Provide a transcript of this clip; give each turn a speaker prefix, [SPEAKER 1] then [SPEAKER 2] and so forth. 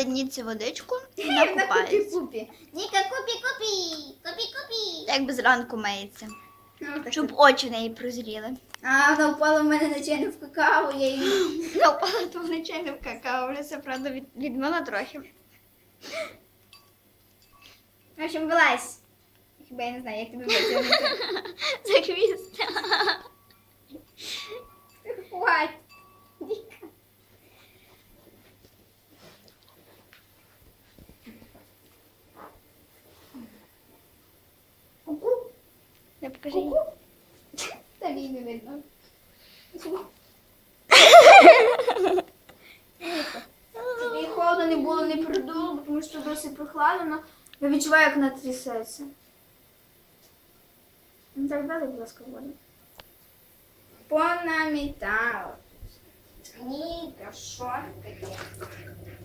[SPEAKER 1] взяли цю водичку і накупаються.
[SPEAKER 2] Купі-купі. Ніка, купі-купі. Купі-купі.
[SPEAKER 1] Як би зранку миється.
[SPEAKER 2] Ну, так.
[SPEAKER 1] Щоб очі в неї прозріли.
[SPEAKER 2] А, вона впала в мене нечайно в какао, я її...
[SPEAKER 1] Напала то нечайно в какао, вже це, правда, відмила трохи.
[SPEAKER 2] В общем, вилазь. Хіба я не знаю, як тебе витягнути.
[SPEAKER 1] За хвіст.
[SPEAKER 2] Хвать. Ніка. Ку-ку.
[SPEAKER 1] Я покажи їй.
[SPEAKER 2] Ку-ку. Та їй не видно. Тобі холодно не було, не продуло, тому що досить прохладно. Я відчуваю, як вона трясеться. Ну так далі, будь ласка, воду. Понамітала. Ніка, що таке?